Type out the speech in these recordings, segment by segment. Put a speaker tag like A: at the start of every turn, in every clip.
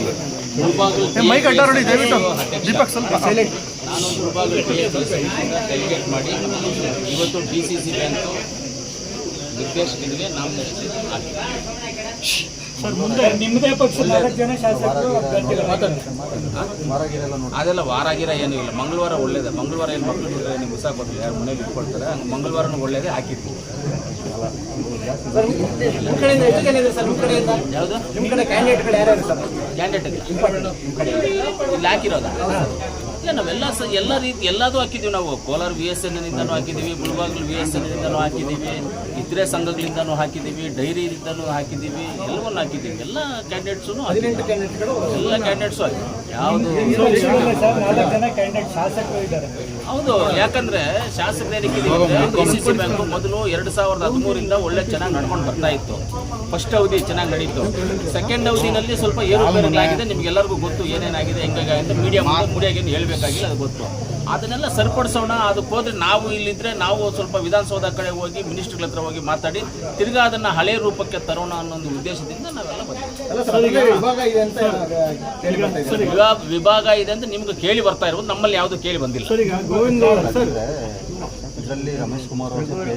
A: ದೀಪಕ್ ಸ್ವಲ್ಪ ಸೈಲೆಂಟ್.
B: ನಾನು ಮುಳಬಾಗಿಲು ಡೆಲಿಗೇಟ್ ಮಾಡಿ ಇವತ್ತು DCC ಬ್ಯಾಂಕು ನಿರ್ದೇಶಕರಿಗೆ ನಾಮಿನೇಷನ್ ಹಾಕಿದೆ.
C: ನಿಮ್ಮದೇ ಪಕ್ಷದ 4 ಜನ ಶಾಸಕರು
B: ಅದೆಲ್ಲ ವಾರಾಗಿರ ಏನೂ ಇಲ್ಲ. ಮಂಗಳವಾರ ಒಳ್ಳೇದೇ. ಮಂಗಳವಾರ ಏನು ಮಕ್ಕಳು ನೀವು ಹೊಸ ಕೊಡಲಿ, ಯಾರು ಮನೇಲಿ ಇಟ್ಕೊಳ್ತಾರೆ. ಹಂಗೆ ಮಂಗಳವಾರನೂ ಒಳ್ಳೇದೇ ಹಾಕಿದ್ವಿ. ಯಾವುದು
C: ನಿಮ್ಮ ಕಡೆ ಕ್ಯಾಂಡಿಡೇಟ್ಗಳು ಯಾರ್ಯಾರು ಸರ್?
B: ಕ್ಯಾಂಡಿಡೇಟ್ ಇಲ್ಲ ಇಲ್ಲಿ ಹಾಕಿರೋದ ಇಲ್ಲ. ನಾವೆಲ್ಲ ಎಲ್ಲ ರೀತಿ ಎಲ್ಲದೂ ಹಾಕಿದ್ದೀವಿ. ನಾವು ಕೋಲಾರ VSNನಿಂದನೂ ಹಾಕಿದ್ದೀವಿ, ಮುಳಬಾಗಿಲು VSNನಿಂದನೂ ಹಾಕಿದ್ದೀವಿ, ಇತರೆ ಸಂಘಗಳಿಂದನೂ ಹಾಕಿದ್ದೀವಿ, ಡೈರಿಯಿಂದನೂ ಹಾಕಿದ್ದೀವಿ, ಎಲ್ಲವನ್ನೂ ಹಾಕಿದ್ದೀವಿ. ಎಲ್ಲ ಕ್ಯಾಂಡಿಡೇಟ್ಸು ಎಲ್ಲ ಕ್ಯಾಂಡಿಡೇಟ್ಸು ಹಾಕಿ ಯಾವುದು
C: 4 ಜನ ಕ್ಯಾಂಡಿಡೇಟ್ ಶಾಸಕರು ಇದ್ದಾರೆ.
B: ಹೌದು, ಯಾಕಂದ್ರೆ ಶಾಸಕರಿಗೆ DCC ಬ್ಯಾಂಕು ಮೊದಲು 2013ರಿಂದ ಒಳ್ಳೆ ಚೆನ್ನಾಗಿ ನಡ್ಕೊಂಡು ಬರ್ತಾ ಇತ್ತು. ಫಸ್ಟ್ ಅವಧಿ ಚೆನ್ನಾಗಿ ನಡೀತು. ಸೆಕೆಂಡ್ ಅವಧಿನಲ್ಲಿ ಸ್ವಲ್ಪ ಏರುಪೇರುಗಳಾಗಿದೆ. ನಿಮ್ಗೆಲ್ಲರಿಗೂ ಗೊತ್ತು ಏನೇನಾಗಿದೆ, ಹೆಂಗಾಗಿದೆ. ಮೀಡಿಯಾಗೇನು ಹೇಳಬೇಕಾಗಿಲ್ಲ, ಅದು ಗೊತ್ತು. ಅದನ್ನೆಲ್ಲ ಸರಿಪಡಿಸೋಣ. ಅದಕ್ಕೆ ಹೋದ್ರೆ ನಾವು ಇಲ್ಲಿದ್ರೆ ನಾವು ಸ್ವಲ್ಪ ವಿಧಾನಸೌಧ ಕಡೆ ಹೋಗಿ ಮಿನಿಸ್ಟ್ರುಗಳ ಹತ್ರ ಹೋಗಿ ಮಾತಾಡಿ ತಿರ್ಗಾ ಅದನ್ನು ಹಳೆ ರೂಪಕ್ಕೆ ತರೋಣ ಅನ್ನೋ ಒಂದು ಉದ್ದೇಶದಿಂದ ನಾವೆಲ್ಲ ಬಂದಿದ್ದೀವಿ. ವಿಭಾಗ ಇದೆ ಅಂತ ನಿಮ್ಗೆ ಕೇಳಿ ಬರ್ತಾ ಇರೋದು, ನಮ್ಮಲ್ಲಿ ಯಾವುದು ಕೇಳಿ ಬಂದಿಲ್ಲ.
A: ಇದರಲ್ಲಿ ರಮೇಶ್ ಕುಮಾರ್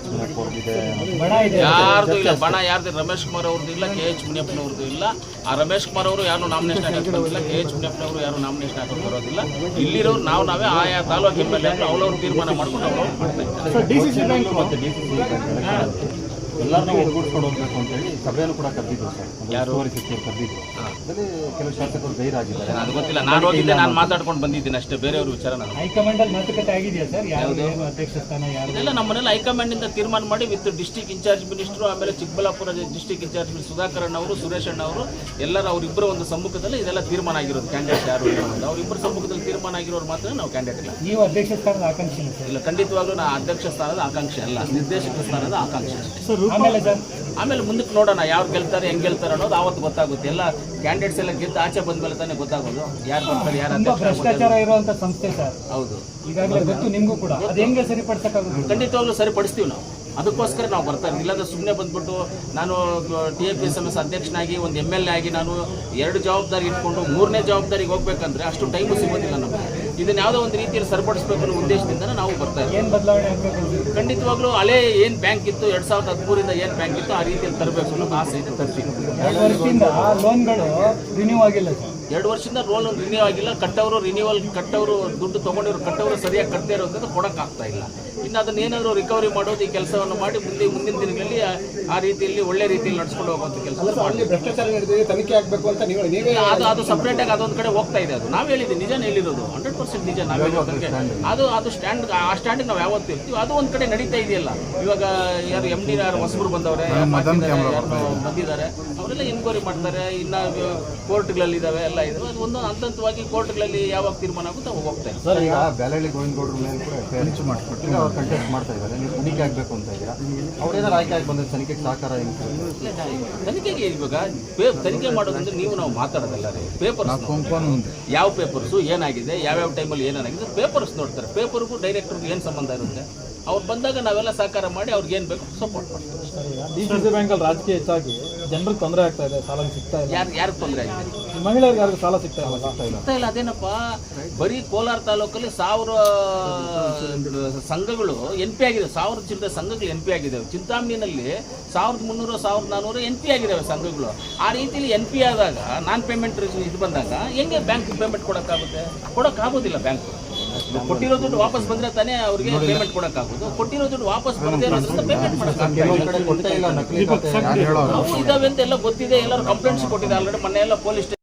B: ಯಾರ್ದು ಇಲ್ಲ ಬಣ, ಯಾರ್ದು ರಮೇಶ್ ಕುಮಾರ್ ಅವ್ರದ್ದು ಇಲ್ಲ, KH ಮುನಿಯಪ್ಪನವ್ರದ್ದು ಇಲ್ಲ. ಆ ರಮೇಶ್ ಕುಮಾರ್ ಅವರು ಯಾರು ನಾಮಿನೇಷನ್ ಹಾಕಕ್ಕೆ ಬರೋದಿಲ್ಲ, KH ಮುನಿಯಪ್ಪನವರು ಯಾರು ನಾಮಿನೇಷನ್ ಹಾಕಕ್ಕೆ ಬರೋದಿಲ್ಲ. ಇಲ್ಲಿರೋರು ನಾವೇ ಆಯಾ ತಾಲೂಕು MLA ಅವ್ರವ್ರು ತೀರ್ಮಾನ ಮಾಡ್ಕೊಂಡು ಅವ್ರವ್ರು ಮಾಡ್ತಾ ಇದ್ದಾರೆ.
A: ಎಲ್ಲರನ್ನೂ ಒಗ್ಗೂಡಿಸ್ಕೊಂಡು ಹೋಗ್ಬೇಕು ಅಂತ ಹೇಳಿ ಸಭೆಯನ್ನು ಕೂಡ ಕರೆದಿದ್ರು ಸರ್. ಯಾರು ಕರೆದಿದ್ರು. ಅದರಲ್ಲಿ ಕೆಲವು ಶಾಸಕರು ಗೈರಾಗಿದ್ದಾರೆ.
B: ಅದು ಗೊತ್ತಿಲ್ಲ, ನಾನು ಹೋಗಿದ್ದೆ, ನಾನು ಮಾತಾಡ್ಕೊಂಡು ಬಂದಿದ್ದೀನಿ ಅಷ್ಟೇ. ಬೇರೆಯವ್ರ ವಿಚಾರ ನಾನು
C: ಹೈಕಮಾಂಡ್ ಅಲ್ಲಿ ಮಾತುಕತೆ ಆಗಿದೆಯಾ ಸರ್? ಯಾವುದು ಅಧ್ಯಕ್ಷ ಸ್ಥಾನ ಯಾರು?
B: ಇದೆಲ್ಲ ನಮ್ಮನೆಲ್ಲ ಹೈಕಮಾಂಡ್ ಇಂದ ತೀರ್ಮಾನ ಮಾಡಿ ವಿತ್ ಡಿಸ್ಟ್ರಿಕ್ಟ್ ಇನ್ಚಾರ್ಜ್ ಮಿನಿಸ್ಟ್ರು, ಆಮೇಲೆ Chikkaballapura district in charge minister Sudhakaran ಅವರು, ಸುರೇಶ್ ಅಣ್ಣ ಅವರು ಎಲ್ಲರೂ ಅವರಿಬ್ಬರ ಒಂದು ಸಮ್ಮುಖದಲ್ಲಿ ಇದೆಲ್ಲ ತೀರ್ಮಾನ ಆಗಿರೋದು. ಕ್ಯಾಂಡಿಡೇಟ್ ಯಾರು ಅವರಿಬ್ಬರ ಸಮ್ಮುಖದಲ್ಲಿ ತೀರ್ಮಾನ ಆಗಿರೋರು ಮಾತ್ರ ನಾವು ಕ್ಯಾಂಡಿಡೇಟ್ ಇಲ್ಲ.
C: ನೀವು ಅಧ್ಯಕ್ಷ ಸ್ಥಾನದ ಆಕಾಂಕ್ಷಿ
B: ಇಲ್ಲ, ಖಂಡಿತವಾಗ್ಲೂ ನಾ ಅಧ್ಯಕ್ಷ ಸ್ಥಾನದ ಆಕಾಂಕ್ಷೆ ಅಲ್ಲ, ನಿರ್ದೇಶಕ ಸ್ಥಾನದ ಆಕಾಂಕ್ಷೆ ಅಷ್ಟೇ. ಆಮೇಲೆ ಮುಂದಕ್ಕೆ ನೋಡೋಣ ಯಾರು ಗೆಲ್ತಾರೆ, ಹೆಂಗೆ ಗೆಲ್ತಾರೆ ಅನ್ನೋದು ಆವತ್ತು ಗೊತ್ತಾಗುತ್ತೆ. ಎಲ್ಲ ಕ್ಯಾಂಡಿಡೇಟ್ಸ್ ಎಲ್ಲ ಗೆದ್ದು ಆಚೆ ಬಂದ್ಮೇಲೆ ತಾನೇ ಗೊತ್ತಾಗೋದು ಯಾರು ಬರ್ತಾರೆ, ಯಾರು
C: ಭ್ರಷ್ಟಾಚಾರ ಇರುವಂತ ಸಂಸ್ಥೆ ಸರ್.
B: ಹೌದು,
C: ಈಗಾಗಲೇ ಗೊತ್ತು ನಿಮಗೂ ಕೂಡ. ಅದು ಹೆಂಗೆ ಸರಿಪಡಿಸಕ್ಕಾಗುತ್ತೆ?
B: ಖಂಡಿತವಾಗ್ಲೂ ಸರಿಪಡಿಸ್ತೀವಿ ನಾವು. ಅದಕ್ಕೋಸ್ಕರ ನಾವು ಬರ್ತಾ ಇದ್ದೀವಿ. ಇಲ್ಲಾಂದ್ರೆ ಸುಮ್ಮನೆ ಬಂದ್ಬಿಟ್ಟು ನಾನು TFSMS ಅಧ್ಯಕ್ಷನಾಗಿ ಒಂದು MLA ಆಗಿ ನಾನು 2 ಜವಾಬ್ದಾರಿ ಇಟ್ಕೊಂಡು 3ನೇ ಜವಾಬ್ದಾರಿಗೆ ಹೋಗ್ಬೇಕಂದ್ರೆ ಅಷ್ಟು ಟೈಮು ಸಿಗೋದಿಲ್ಲ ನಮಗೆ. ಇದನ್ನ ಯಾವುದೋ ಒಂದು ರೀತಿಯಲ್ಲಿ ಸರಿಪಡಿಸಬೇಕು ಅನ್ನೋ ಉದ್ದೇಶದಿಂದ ನಾವು ಬರ್ತಾ ಇದ್ದೀವಿ.
C: ಏನು ಬದಲಾವಣೆ ಆಗಬೇಕು?
B: ಖಂಡಿತವಾಗ್ಲೂ ಹಳೆ ಏನು ಬ್ಯಾಂಕ್ ಇತ್ತು 2013ರಿಂದ ಏನು ಬ್ಯಾಂಕ್ ಇತ್ತು ಆ ರೀತಿಯಲ್ಲಿ ತರಬೇಕು ಅನ್ನೋ ಆಸೆ ಇದೆ. ತರ್ತೀವಿ.
C: 2 ವರ್ಷದಿಂದ ಲೋನ್ಗಳು ರಿನ್ಯೂ ಆಗಿಲ್ಲ ಸರ್.
B: 2 ವರ್ಷದಿಂದ ಲೋನ್ ರಿನ್ಯೂ ಆಗಿಲ್ಲ. ಕಟ್ಟವರು ರಿನ್ಯೂವಲ್ ಕಟ್ಟವರು ದುಡ್ಡು ತೊಗೊಂಡಿರೋ ಕಟ್ಟವರು ಸರಿಯಾಗಿ ಕಟ್ಟದೇ ಇರೋದ್ರಿಂದ ಕೊಡೋಕ್ಕಾಗ್ತಾ ಇಲ್ಲ. ಇನ್ನು ಅದನ್ನ ಏನಾದರೂ ರಿಕವರಿ ಮಾಡೋದು, ಈ ಕೆಲಸವನ್ನು ಮಾಡಿ ಮುಂದಿನ ದಿನಗಳಲ್ಲಿ ಆ ರೀತಿಯಲ್ಲಿ ಒಳ್ಳೆ ರೀತಿಯಲ್ಲಿ ನಡ್ಸ್ಕೊಂಡು ಹೋಗುವಂಥ ಕೆಲಸ.
C: ಭ್ರಷ್ಟಾಚಾರ ತನಿಖೆ ಆಗಬೇಕು ಅಂತ
B: ಅದು ಸಪ್ರೇಟಾಗಿ ಅದೊಂದು ಕಡೆ ಹೋಗ್ತಾ ಇದೆ. ಅದು ನಾವು ಹೇಳಿದ್ದೀವಿ, ನಿಜನೇ ಹೇಳಿರೋದು, 100% ನಿಜ. ನಾವು ಹೇಳೋದಕ್ಕೆ ಅದು ಸ್ಟ್ಯಾಂಡ್, ಆ ಸ್ಟ್ಯಾಂಡಿಗೆ ನಾವು ಯಾವತ್ತು ಇರ್ತೀವಿ. ಅದು ಒಂದು ಕಡೆ ನಡೀತಾ ಇದೆಯಲ್ಲ. ಇವಾಗ ಯಾರು MD ಯಾರು ಹೊಸಬರು ಬಂದವ್ರೆ, ಯಾರು ಬಂದಿದ್ದಾರೆ, ಅವರೆಲ್ಲ ಎನ್ಕ್ವೈರಿ ಮಾಡ್ತಾರೆ. ಇನ್ನು ಕೋರ್ಟ್ಗಳಲ್ಲಿದ್ದಾವೆ, ಎಲ್ಲ ಇದಾವೆ. ಅದು ಒಂದು ಹಂತವಾಗಿ ಕೋರ್ಟ್ಗಳಲ್ಲಿ ಯಾವಾಗ ತೀರ್ಮಾನ ಆಗುತ್ತೆ ಅವಾಗ ಹೋಗ್ತಾ ಇದೆ.
A: ಸರ್, ಈಗ ಬ್ಯಾಲಹಳ್ಳಿ ಗೋವಿಂದಗೌಡರ ಮೇಲೆ ಕೂಡ ಮಾಡಿಸ್ಬಿಟ್ಟು ಅವ್ರು ಕಂಟೆಸ್ಟ್ ಮಾಡ್ತಾ ಇದ್ದಾರೆ. ನೀವು ತನಿಖೆ ಆಗಬೇಕು ಅಂತ ಇದ್ದೀರಾ. ಅವ್ರೇನಾರು ಆಯ್ಕೆ ಆಗಿ ಬಂದರೆ ತನಿಖೆಗೆ ಸಹಕಾರ ಹೆಂಗೆ?
B: ತನಿಖೆಗೆ ಇವಾಗ ತನಿಖೆ ಮಾಡೋದಂದ್ರೆ ನಾವು ಮಾತಾಡೋದಲ್ಲ ರೀ. ಪೇಪರ್ಸ್, ಯಾವ ಪೇಪರ್ಸು ಏನಾಗಿದೆ, ಯಾವ್ಯಾವ ಟೈಮಲ್ಲಿ ಏನಾಗಿದೆ ಪೇಪರ್ಸ್ ನೋಡ್ತಾರೆ. ಪೇಪರ್ಗೂ ಡೈರೆಕ್ಟರ್ಗೂ ಏನು ಸಂಬಂಧ ಇರುತ್ತೆ? ಅವ್ರು ಬಂದಾಗ ನಾವೆಲ್ಲ ಸಹಕಾರ ಮಾಡಿ ಅವ್ರಿಗೆ ಏನು ಬೇಕು ಸಪೋರ್ಟ್ ಮಾಡ್ತೀವಿ.
C: DCC ಬ್ಯಾಂಕಲ್ಲಿ ರಾಜಕೀಯ ಹೆಚ್ಚಾಗಿ ಜನರಿಗೆ ತೊಂದರೆ ಆಗ್ತಾ ಇದೆ, ಸಾಲ ಸಿಗ್ತಾ ಇಲ್ಲ.
B: ಯಾರಿಗೆ ತೊಂದರೆ ಆಗಿದೆ?
C: ಮಹಿಳೆಯರಿಗೆ ಯಾರಿಗೂ ಸಾಲ ಸಿಗ್ತಾ
B: ಇಲ್ಲ. ಅದೇನಪ್ಪ, ಬರೀ ಕೋಲಾರ ತಾಲೂಕಲ್ಲಿ 1000 ಸಂಘಗಳು NP ಆಗಿದೆ. 1000 ಚಿಲ್ಲರೆ ಸಂಘಗಳು NP ಆಗಿದ್ದಾವೆ. ಚಿಂತಾಮಣಿನಲ್ಲಿ 1300 1400 NP ಆಗಿದ್ದಾವೆ ಸಂಘಗಳು. ಆ ರೀತಿಯಲ್ಲಿ NP ಆದಾಗ ನಾನ್ ಪೇಮೆಂಟ್ ಇದು ಬಂದಾಗ ಹೆಂಗೆ ಬ್ಯಾಂಕ್ ಪೇಮೆಂಟ್ ಕೊಡೋಕ್ಕಾಗುತ್ತೆ? ಕೊಡೋಕ್ಕಾಗೋದಿಲ್ಲ. ಬ್ಯಾಂಕ್ ಕೊಟ್ಟಿರೋ ದುಡ್ಡು ವಾಪಸ್ ಬಂದರೆ ತಾನೇ ಅವ್ರಿಗೆ ಪೇಮೆಂಟ್ ಕೊಡೋಕ್ಕಾಗೋದು. ಕೊಟ್ಟಿರೋ ದುಡ್ಡು ವಾಪಸ್ ಬರದೇ ಇರೋದ್ರಿಂದ ಪೇಮೆಂಟ್ ಮಾಡೋಕ್ಕಾಗಲ್ಲ. ಇದಾವೆ ಅಂತ ಎಲ್ಲ ಗೊತ್ತಿದೆ, ಎಲ್ಲರೂ ಕಂಪ್ಲೇಂಟ್ಸ್ ಕೊಟ್ಟಿದೆ ಆಲ್ರೆಡಿ. ಮೊನ್ನೆ ಎಲ್ಲ ಪೊಲೀಸ್